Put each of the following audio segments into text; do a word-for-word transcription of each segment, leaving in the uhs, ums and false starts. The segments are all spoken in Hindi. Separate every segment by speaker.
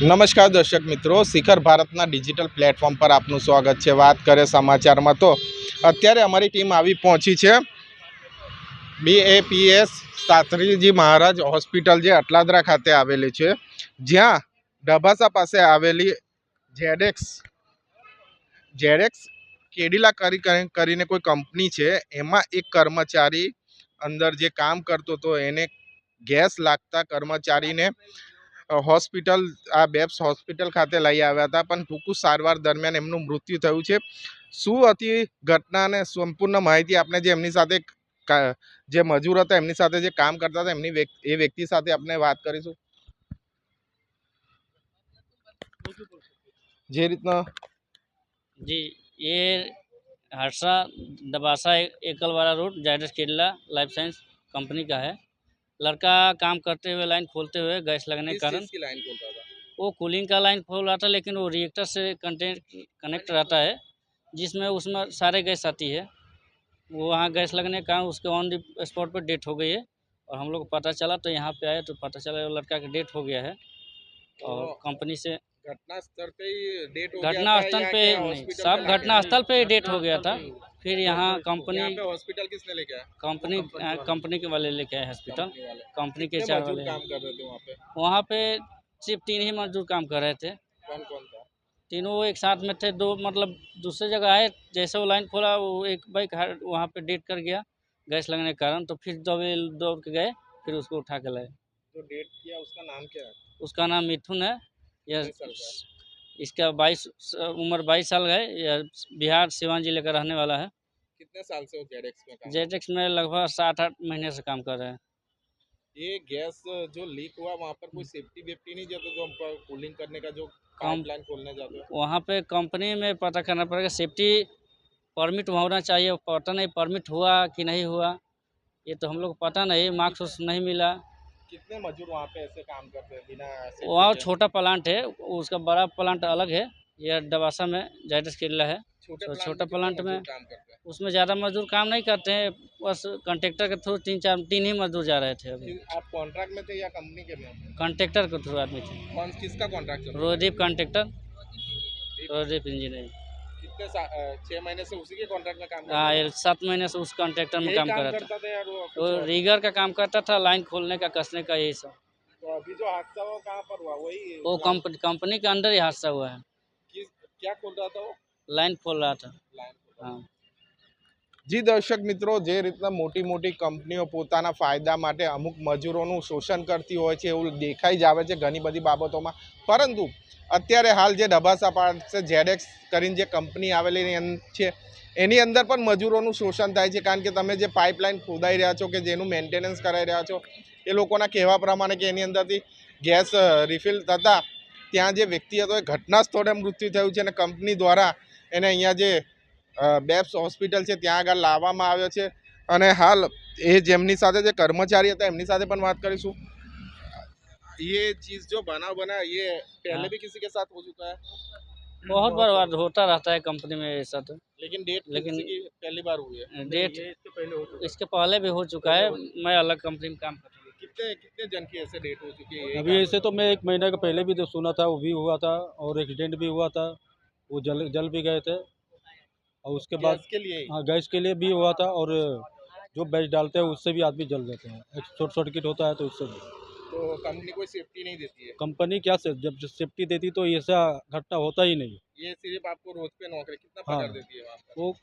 Speaker 1: नमस्कार दर्शक मित्रों, शिखर भारतना डिजिटल प्लेटफॉर्म पर आपનું સ્વાગત છે। વાત કરે સમાચારમાં તો અત્યારે અમારી ટીમ આવી પહોંચી છે બીએપીએસ શાસ્ત્રીજી મહારાજ હોસ્પિટલ જે અટલાદરા ખાતે આવેલી છે, જ્યાં ડભાસા પાસે આવેલી જેડેક્સ જેડેક્સ કેડિલા કરી કરીને કોઈ કંપની છે, એમાં એક કર્મચારી અંદર જે કામ કરતો હતો એને ગેસ લાગતા કર્મચારીને હોસ્પિटल आ बेब्स होस्पिटल खाते लई आव्या था, पण टूंकू सारवार दरमियान एमनुं मृत्यु थयुं छे। शुं हती घटना ने संपूर्ण माहिती आपने जे एमनी साथे जे मजूर हता एमनी साथे जे काम करता था एमनी ए व्यक्ति साथे आपने बात करीशुं। जे रीतना
Speaker 2: जी, ये हर्षा दबासा एकलवाड़ा road Zydus Kerala life science company का है। लड़का काम करते हुए लाइन खोलते हुए गैस लगने के कारण
Speaker 1: लाइन खोलता था?
Speaker 2: वो कूलिंग का लाइन खोल रहा था, लेकिन वो रिएक्टर से कंटेक्ट कनेक्ट रहता है, जिसमें उसमें सारे गैस आती है। वो वहाँ गैस लगने के कारण उसके ऑन द स्पॉट पर डेथ हो गई है। और हम लोग को पता चला तो यहाँ पे आए तो पता चला वो लड़का की डेथ हो गया है। और कंपनी से
Speaker 1: घटना स्थल पे ही डेट हो गया
Speaker 2: घटना
Speaker 1: था
Speaker 2: स्थल
Speaker 1: या
Speaker 2: पे
Speaker 1: क्या
Speaker 2: नहीं,
Speaker 1: हॉस्पिटल
Speaker 2: सब
Speaker 1: पे
Speaker 2: घटना स्थल पे ही डेट हो गया था। फिर यहाँ कंपनी
Speaker 1: यहाँ पे हॉस्पिटल किसने लेके आया?
Speaker 2: कंपनी कंपनी के वाले लेके आए हॉस्पिटल।
Speaker 1: कंपनी वाले
Speaker 2: कंपनी के
Speaker 1: कितने
Speaker 2: चार
Speaker 1: मजदूर
Speaker 2: वाले
Speaker 1: काम कर रहे थे वहाँ पे?
Speaker 2: वहाँ पे सिर्फ तीन ही मजदूर काम कर रहे थे।
Speaker 1: कौन कौन था?
Speaker 2: तीनों एक साथ में थे। दो मतलब दूसरे जगह आए, जैसे वो लाइन खोला वो एक बाइक वहाँ पे डेट कर गया गैस लगने के कारण। तो फिर दौड़े दौड़ के गए, फिर उसको उठा के लाए।
Speaker 1: जो डेट किया उसका नाम क्या है?
Speaker 2: उसका नाम मिथुन है। यह
Speaker 1: कितने साल का है?
Speaker 2: इसका बाईस उम्र बाईस साल है। यह बिहार सिवान जिले का रहने वाला है।
Speaker 1: कितने साल से वो जेडेक्स में काम?
Speaker 2: जेटेक्स में लगभग सात आठ महीने से काम कर रहे हैं।
Speaker 1: ये गैस जो लीक हुआ वहाँ पर कोई सेफ्टी वेफ्टी नहीं जाते तो हम पर कूलिंग करने का जो
Speaker 2: कम
Speaker 1: पाइपलाइन खोलने जाते हो?
Speaker 2: वहाँ पे कंपनी में पता करना पड़ेगा, सेफ्टी परमिट होना चाहिए। पता नहीं परमिट हुआ कि नहीं हुआ, ये तो हम लोग को पता नहीं। मार्क्स उस नहीं मिला।
Speaker 1: कितने मजदूर वहाँ पे ऐसे काम करते हैं बिना safety
Speaker 2: वहाँ
Speaker 1: के?
Speaker 2: छोटा प्लांट है, उसका बड़ा प्लांट अलग है। यह डबासा में जायडस केरला है।
Speaker 1: छोटे
Speaker 2: तो
Speaker 1: प्लांट
Speaker 2: छोटा
Speaker 1: में कितने
Speaker 2: प्लांट में
Speaker 1: मजदूर काम करते हैं?
Speaker 2: उसमें ज़्यादा मजदूर काम नहीं करते हैं, बस कॉन्ट्रेक्टर के थ्रू तीन चार तीन ही मजदूर जा रहे थे। अभी
Speaker 1: फिर आप कॉन्ट्रैक्ट में थे या कंपनी के में?
Speaker 2: कॉन्ट्रेक्टर के थ्रू आदमी थे।
Speaker 1: कौन किसका कॉन्ट्रैक्ट चल रहा है?
Speaker 2: Rodeep contractor, Rodeep engineering.
Speaker 1: कितने सा- अ, छह महीने से उसी के कॉन्ट्रैक्ट में काम
Speaker 2: हाँ,
Speaker 1: करते
Speaker 2: ये सात महीने से उस कॉन्ट्रेक्टर में
Speaker 1: यही
Speaker 2: काम
Speaker 1: काम
Speaker 2: कर रहा था।
Speaker 1: करता था यार वो कुछ
Speaker 2: वो
Speaker 1: और?
Speaker 2: रीगर का काम करता था, लाइन खोलने का, कसने का, यही सब।
Speaker 1: तो अभी जो हादसा हुआ कहाँ पर हुआ? वही
Speaker 2: वो
Speaker 1: लाइन-
Speaker 2: कंपनी कंपनी के अंदर ही हादसा हुआ है।
Speaker 1: किस क्या खोल रहा था वो?
Speaker 2: लाइन खोल रहा था।
Speaker 1: लाइन खोल रहा था।
Speaker 2: हाँ।
Speaker 1: જી દર્શક મિત્રો, જે રીતના મોટી મોટી કંપનીઓ પોતાના ફાયદા માટે અમુક મજૂરોનું શોષણ કરતી હોય છે એવું દેખાઈ જ આવે છે ઘણી બધી બાબતોમાં, પરંતુ અત્યારે હાલ જે ડબાસા પાસે જેડેક્સ કરીને જે કંપની આવેલી છે એની અંદર પણ મજૂરોનું શોષણ થાય છે, કારણ કે તમે જે પાઇપલાઇન ખોદાઈ રહ્યા છો કે જેનું મેન્ટેનન્સ કરાવી રહ્યા છો એ લોકોના કહેવા પ્રમાણે કે એની અંદરથી ગેસ રિફિલ થતાં ત્યાં જે વ્યક્તિ હતો એ ઘટના સ્થળે મૃત્યુ થયું છે અને કંપની દ્વારા એને અહીંયા જે બેબ્સ હોસ્પિટલ છે ત્યાં આગળ લાવવામાં આવ્યો છે। અને હાલ એ જેમની સાથે જે કર્મચારી હતા એમની સાથે પણ વાત કરીશું। ये चीज जो बनाव बना ये पहले
Speaker 2: हाँ।
Speaker 1: भी किसी के साथ हो चुका है,
Speaker 2: बहुत बार बार होता रहता है कंपनी में ऐसा। तो
Speaker 1: लेकिन डेट
Speaker 2: लेकिन
Speaker 1: किसी की पहली बार हुई है?
Speaker 2: डेट
Speaker 1: इसके पहले हो चुका
Speaker 2: इसके पहले भी हो चुका है। मैं अलग कंपनी में काम करता हूँ।
Speaker 1: है? कितने कितने जन की ऐसे डेट हो चुकी है?
Speaker 3: अभी ऐसे तो मैं एक महीने का पहले भी तो सुना था, वो भी हुआ था और एक्सीडेंट भी हुआ था, वो जल जल भी गए थे। और उसके बाद
Speaker 1: गैस के लिए ही?
Speaker 3: हाँ, गैस के लिए भी हुआ था और जो बैच डालते हैं उससे भी आदमी जल जाते हैं, एक शॉर्ट सर्किट होता है तो उससे भी।
Speaker 1: तो कंपनी कोई सेफ्टी नहीं देती है?
Speaker 3: कंपनी क्या से जब सेफ्टी देती तो ऐसा घटना होता ही नहीं।
Speaker 1: ये सिर्फ आपको रोज पे नौकरी कितना
Speaker 3: हाँ।
Speaker 1: पगार देती है वहाँ पर?
Speaker 3: वो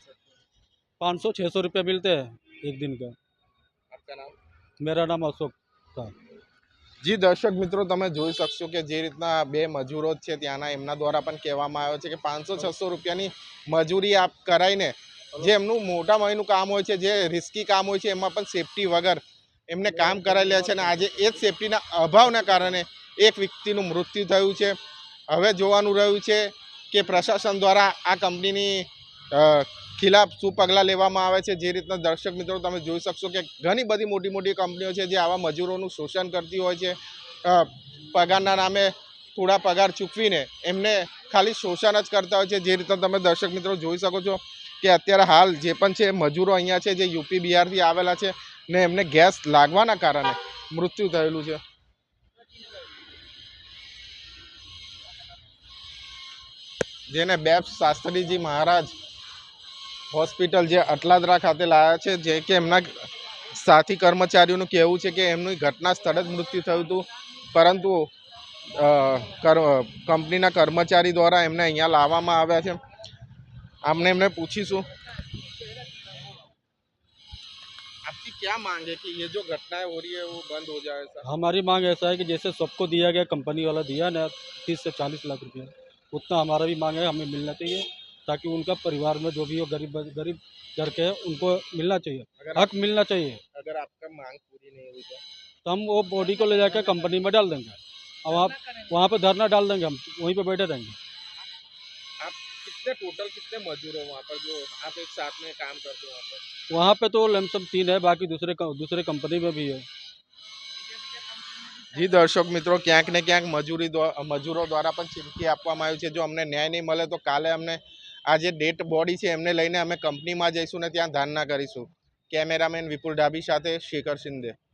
Speaker 3: पाँच सौ छः सौ रुपये मिलते हैं एक दिन का।
Speaker 1: आपका नाम?
Speaker 3: मेरा नाम अशोक था।
Speaker 1: જી દર્શક મિત્રો, તમે જોઈ શકશો કે જે રીતના બે મજૂરો છે ત્યાંના એમના દ્વારા પણ કહેવામાં આવ્યો છે કે પાંચસો છસો રૂપિયાની મજૂરી આપ કરાવીને જે એમનું મોટા મહિનું કામ હોય છે, જે રિસ્કી કામ હોય છે એમાં પણ સેફટી વગર એમને કામ કરાવી લે છે અને આજે એ જ સેફટીના અભાવના કારણે એક વ્યક્તિનું મૃત્યુ થયું છે। હવે જોવાનું રહ્યું છે કે પ્રશાસન દ્વારા આ કંપનીની ખિલાફ શું પગલાં લેવામાં આવે છે। જે રીતના દર્શક મિત્રો તમે જોઈ શકશો કે ઘણી બધી મોટી મોટી કંપનીઓ છે જે આવા મજૂરોનું શોષણ કરતી હોય છે, પગારના નામે થોડા પગાર ચૂકવીને એમને ખાલી શોષણ જ કરતા હોય છે। જે રીતના તમે દર્શક મિત્રો જોઈ શકો છો કે અત્યારે હાલ જે પણ છે મજૂરો અહીંયા છે જે યુપી બિહારથી આવેલા છે ને એમને ગેસ લાગવાના કારણે મૃત્યુ થયેલું છે। જેને બેપ્સ શાસ્ત્રીજી મહારાજ હોસ્પિટલ જે અટલાદરા ખાતે લાવ્યા છે, જે કે એમના સાથી કર્મચારીઓનું કહેવું છે કે એમની ઘટના સ્થળે જ મૃત્યુ થયું હતું, પરંતુ અ, કર કંપનીના કર્મચારી દ્વારા એમને અહીંયા લાવવામાં આવ્યા છે। આમને એમને પૂછીશું आपकी क्या मांग है कि ये जो घटनाएं हो रही है वो बंद हो जाए सर?
Speaker 3: हमारी मांग ऐसा है कि जैसे सबको दिया गया, कंपनी वाला दिया ना तीस से चालीस लाख रुपया, उतना हमारा भी मांग है, हमें मिलना चाहिए, ताकि उनका परिवार में जो भी हो गरीब गरीब घर के है उनको मिलना चाहिए,
Speaker 1: अगर
Speaker 3: हक मिलना चाहिए।
Speaker 1: अगर आपका मांग पूरी नहीं हुई तो
Speaker 3: तो हम वो बॉडी को ले जाकर कंपनी में डाल देंगे और वहाँ वहाँ पे धरना डाल देंगे, हम वहीं पे बैठे रहेंगे।
Speaker 1: आप कितने टोटल कितने मजदूर हो वहाँ पर जो आप एक साथ में काम करते हो वहाँ पर?
Speaker 3: वहाँ पे तो लमसम तीन है, बाकी दूसरे दूसरे कंपनी में भी है।
Speaker 1: જી દર્શક મિત્રો, ક્યાંક ને ક્યાંક મજૂરી દ્વા- મજૂરો દ્વારા પણ ચીમકી આપવામાં આવી છે, જો અમને ન્યાય નહીં મળે તો કાલે અમને આ જે ડેડ બોડી છે એમને લઈને અમે કંપનીમાં જઈશું ને ત્યાં ધારણા કરીશું। કેમેરામેન વિપુલ ડાબી સાથે શેખર શિંદે।